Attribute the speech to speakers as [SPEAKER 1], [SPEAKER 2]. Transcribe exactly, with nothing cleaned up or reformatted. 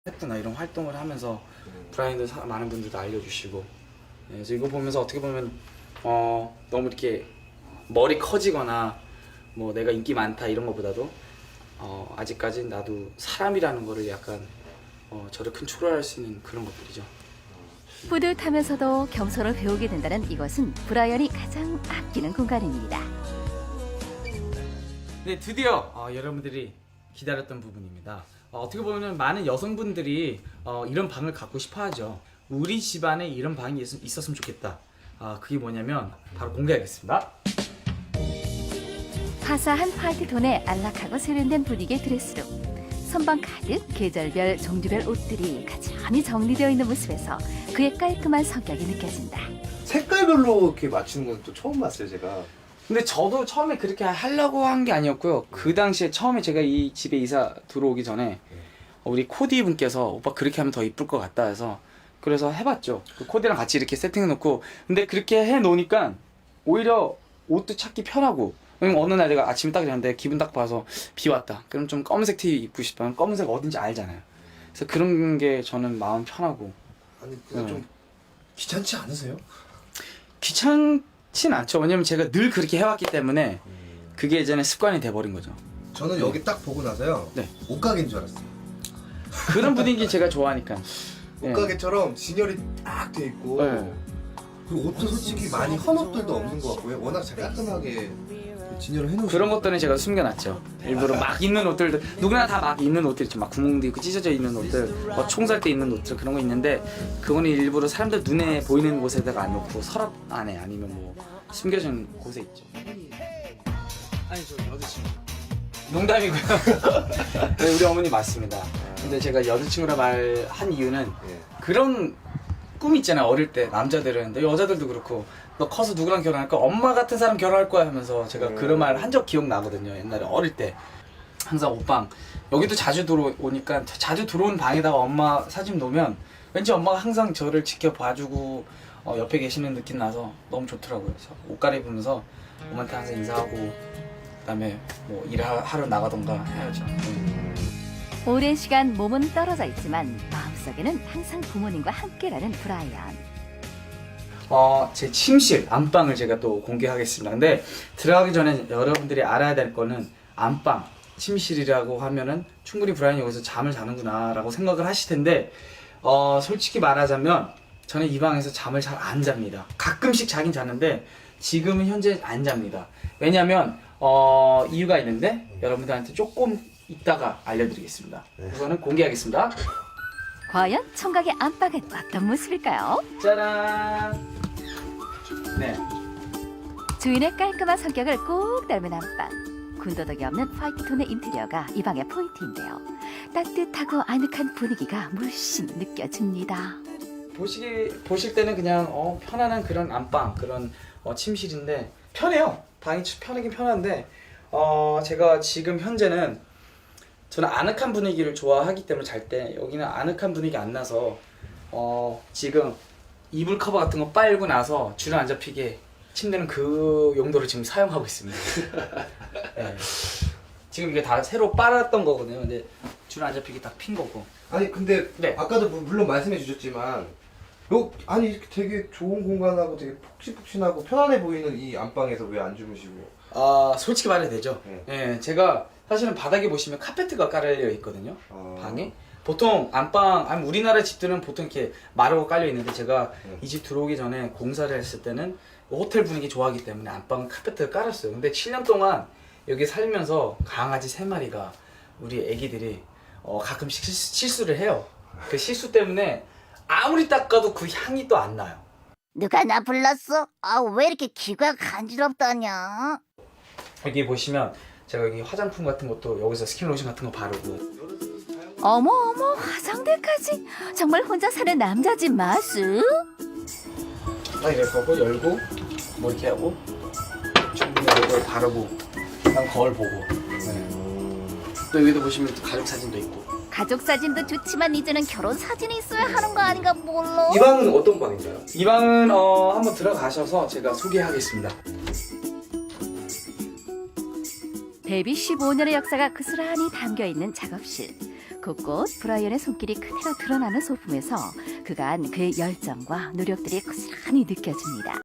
[SPEAKER 1] 콘셉트나 이런 활동을 하면서 브라이언도 사- 많은 분들도 알려주시고, 예, 그래서 이거 보면서 어떻게 보면 어, 너무 이렇게 머리 커지거나 뭐 내가 인기 많다 이런 것보다도 어, 아직까지 나도 사람이라는 거를 약간 어, 저를 컨트롤할 수 있는 그런 것들이죠.
[SPEAKER 2] 뿌듯하면서도 겸손을 배우게 된다는 이곳은 브라이언이 가장 아끼는 공간입니다.
[SPEAKER 1] 네, 드디어 어, 여러분들이 기다렸던 부분입니다. 어, 어떻게 보면 많은 여성분들이 어, 이런 방을 갖고 싶어 하죠. 우리 집안에 이런 방이 있, 있었으면 좋겠다. 아, 그게 뭐냐면 바로 공개하겠습니다.
[SPEAKER 2] 화사한 파티톤에 안락하고 세련된 분위기의 드레스룸. 선반 가득 계절별, 종류별 옷들이 가지런히 정리되어 있는 모습에서 그의 깔끔한 성격이 느껴진다.
[SPEAKER 3] 색깔별로 이렇게 맞추는 건 또 처음 봤어요, 제가.
[SPEAKER 1] 근데 저도 처음에 그렇게 하려고 한 게 아니었고요. 그 당시에 처음에 제가 이 집에 이사 들어오기 전에 우리 코디 분께서 오빠 그렇게 하면 더 이쁠 것 같다 해서 그래서 해봤죠. 그 코디랑 같이 이렇게 세팅해놓고, 근데 그렇게 해놓으니까 오히려 옷도 찾기 편하고, 왜냐면 어느 날 내가 아침에 딱 일어났는데 기분 딱 봐서 비 왔다. 그럼 좀 검은색 티 입고 싶으면 검은색 어딘지 알잖아요. 그래서 그런 게 저는 마음 편하고.
[SPEAKER 3] 아니, 그냥
[SPEAKER 1] 네.
[SPEAKER 3] 좀 귀찮지 않으세요?
[SPEAKER 1] 귀찮진 않죠. 왜냐면 제가 늘 그렇게 해왔기 때문에 그게 이제는 습관이 돼버린 거죠.
[SPEAKER 3] 저는 여기 딱 보고 나서요.
[SPEAKER 1] 네.
[SPEAKER 3] 옷가게인 줄 알았어요.
[SPEAKER 1] 그런 분위기 제가 좋아하니까. 네.
[SPEAKER 3] 옷가게처럼 진열이 딱 돼 있고.
[SPEAKER 1] 네.
[SPEAKER 3] 그리고 옷도 솔직히 많이 헌 옷들도 없는 것 같고요. 워낙 잘 깔끔하게 진열을 해놓으신
[SPEAKER 1] 그런 것들은 제가 숨겨놨죠. 일부러 막 입는 옷들도 누구나 다 막 입는 옷들 있죠. 막 구멍도 있고 찢어져 있는 옷들, 뭐 총살 때 입는 옷들 그런 거 있는데 그거는 일부러 사람들 눈에 보이는 곳에다가 안 놓고 서랍 안에 아니면 뭐 숨겨진 곳에 있죠. 아니 저 여자친구. 농담이고요. 네, 우리 어머니 맞습니다. 근데 제가 여자친구라 말한 이유는
[SPEAKER 3] 예.
[SPEAKER 1] 그런 꿈 있잖아요. 어릴 때 남자들은, 근데 여자들도 그렇고 너 커서 누구랑 결혼할 거야? 엄마 같은 사람 결혼할 거야 하면서 제가
[SPEAKER 3] 음.
[SPEAKER 1] 그런 말 한 적 기억나거든요. 옛날에 어릴 때 항상 옷방 여기도 자주 들어오니까 자주 들어온 방에다가 엄마 사진 놓으면 왠지 엄마가 항상 저를 지켜봐주고 어, 옆에 계시는 느낌 나서 너무 좋더라고요. 그래서 옷 갈아입으면서 엄마한테 항상 인사하고 그다음에 뭐 일하러 나가던가 해야죠. 네.
[SPEAKER 2] 오랜 시간 몸은 떨어져 있지만 마음속에는 항상 부모님과 함께라는 브라이언.
[SPEAKER 1] 어, 제 침실, 안방을 제가 또 공개하겠습니다. 근데 들어가기 전에 여러분들이 알아야 될 거는 안방, 침실이라고 하면은 충분히 브라이언이 여기서 잠을 자는구나 라고 생각을 하실 텐데 어, 솔직히 말하자면 저는 이 방에서 잠을 잘 안 잡니다. 가끔씩 자긴 자는데 지금은 현재 안 잡니다. 왜냐면 어, 이유가 있는데 여러분들한테 조금 이따가 알려드리겠습니다. 우선은 공개하겠습니다.
[SPEAKER 2] 과연 청각의 안방은 어떤 모습일까요?
[SPEAKER 1] 짜란! 네.
[SPEAKER 2] 주인의 깔끔한 성격을 꼭 닮은 안방. 군더더기 없는 화이트톤의 인테리어가 이 방의 포인트인데요. 따뜻하고 아늑한 분위기가 물씬 느껴집니다.
[SPEAKER 1] 보시기, 보실 때는 그냥 어, 편안한 그런 안방, 그런 어, 침실인데 편해요. 방이 편하긴 편한데 어, 제가 지금 현재는 저는 아늑한 분위기를 좋아하기 때문에 잘 때 여기는 아늑한 분위기 안 나서 어, 지금 이불 커버 같은 거 빨고 나서 줄을 안 잡히게 침대는 그 용도로 지금 사용하고 있습니다. 네. 지금 이게 다 새로 빨았던 거거든요. 근데 줄 안 잡히게 딱 핀 거고.
[SPEAKER 3] 아니, 근데
[SPEAKER 1] 네.
[SPEAKER 3] 아까도 무- 물론 말씀해 주셨지만 요, 아니 이렇게 되게 좋은 공간하고 되게 푹신푹신하고 편안해 보이는 이 안방에서 왜 안 주무시고?
[SPEAKER 1] 아, 솔직히 말해야 되죠.
[SPEAKER 3] 네.
[SPEAKER 1] 예, 제가 사실은 바닥에 보시면 카페트가 깔려 있거든요.
[SPEAKER 3] 아.
[SPEAKER 1] 방에. 보통 안방, 아니 우리나라 집들은 보통 이렇게 마루가 깔려 있는데 제가
[SPEAKER 3] 네.
[SPEAKER 1] 이 집 들어오기 전에 공사를 했을 때는 호텔 분위기 좋아하기 때문에 안방은 카페트를 깔았어요. 근데 칠 년 동안 여기 살면서 강아지 세 마리가 우리 애기들이 어, 가끔씩 실수, 실수를 해요. 그 실수 때문에 아무리 닦아도 그 향이 또 안 나요.
[SPEAKER 4] 누가 나 불렀어? 아, 왜 이렇게 귀가 간지럽다냐?
[SPEAKER 1] 여기 보시면 제가 여기 화장품 같은 것도 여기서 스킨로션 같은 거 바르고
[SPEAKER 2] 어머 어머 화장대까지. 정말 혼자 사는 남자집 마수?
[SPEAKER 1] 딱 이럴 거고 열고 뭐 이렇게 하고 충분히 이걸 바르고 그다음 거울 보고 네. 또 여기도 보시면 또 가족 사진도 있고.
[SPEAKER 4] 가족 사진도 좋지만 이제는 결혼 사진이 있어야 하는 거 아닌가 몰라?
[SPEAKER 3] 이 방은 어떤 방인가요?
[SPEAKER 1] 이 방은 어, 한번 들어가셔서 제가 소개하겠습니다.
[SPEAKER 2] 데뷔 십오 년의 역사가 그스란히 담겨있는 작업실. 곳곳 브라이언의 손길이 그대로 드러나는 소품에서 그간 그의 열정과 노력들이 고스란히 느껴집니다.